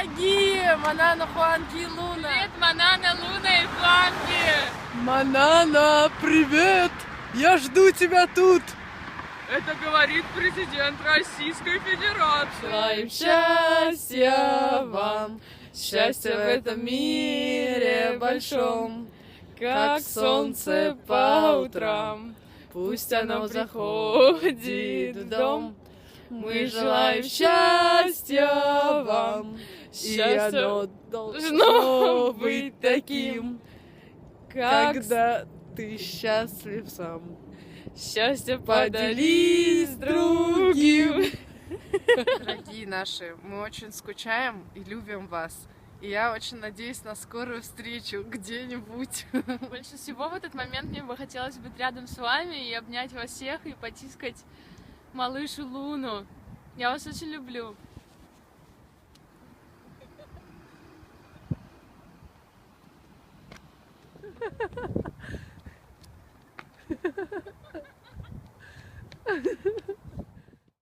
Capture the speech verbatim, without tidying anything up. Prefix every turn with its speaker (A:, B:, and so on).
A: Дорогие Манана, Хуанги и Луна!
B: Привет, Манана, Луна и Хуанги!
A: Манана, привет! Я жду тебя тут!
B: Это говорит президент Российской Федерации.
A: Желаем счастья вам, счастья в этом мире большом, как солнце по утрам, пусть оно заходит в дом. Мы желаем счастья вам, и оно должно быть таким, когда ты счастлив сам. Счастье поделись с другим.
C: Дорогие наши, мы очень скучаем и любим вас. И я очень надеюсь на скорую встречу где-нибудь.
B: Больше всего в этот момент мне бы хотелось быть рядом с вами и обнять вас всех и потискать малышу Луну. Я вас очень люблю.
A: Ha ha ha.